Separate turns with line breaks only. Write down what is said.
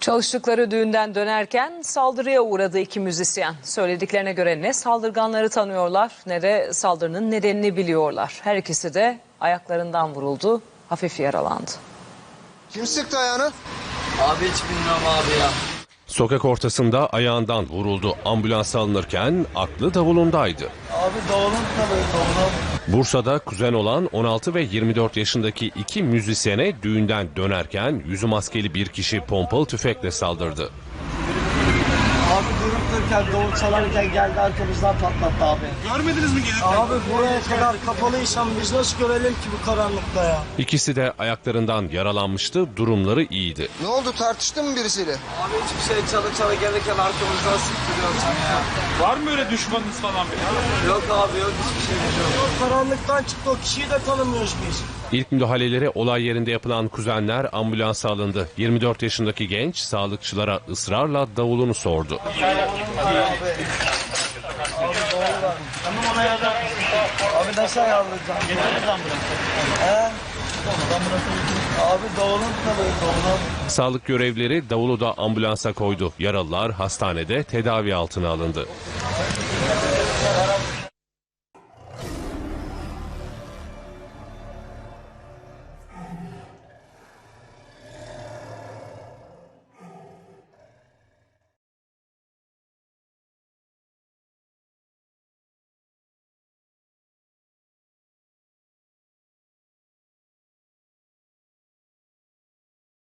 Çalıştıkları düğünden dönerken saldırıya uğradı iki müzisyen. Söylediklerine göre ne saldırganları tanıyorlar ne de saldırının nedenini biliyorlar. Her ikisi de ayaklarından vuruldu, hafif yaralandı.
Kim sıktı ayağını?
Abi hiç bilmiyorum abi ya.
Sokak ortasında ayağından vuruldu. Ambulansa alınırken aklı davulundaydı.
Abi davulun tabii davulun.
Bursa'da kuzen olan 16 ve 24 yaşındaki iki müzisyene düğünden dönerken yüzü maskeli bir kişi pompalı tüfekle saldırdı.
Abi durup dururken davul çalarken geldi arkamızdan patlattı abi.
Görmediniz mi gelirken?
Abi buraya kadar kapalıysan biz nasıl görelim ki bu karanlıkta ya?
İkisi de ayaklarından yaralanmıştı, durumları iyiydi.
Ne oldu, tartıştın mı birisiyle?
Abi hiçbir şey çala gelirken arkamızdan sıktırıyorsun ya.
Var mı öyle düşmanınız falan bir?
Yok abi yok hiçbir şey yok. O karanlıktan çıktı o kişiyi de tanımıyoruz biz.
İlk müdahaleleri olay yerinde yapılan kuzenler ambulansa alındı. 24 yaşındaki genç sağlıkçılara ısrarla davulunu sordu.
Tamam ona yardım. Abi nasıl ayarlayacağım? Getiririz ambulansa. Abi davulun tabii davulun.
Sağlık görevlileri davulu da ambulansa koydu. Yaralılar hastanede tedavi altına alındı.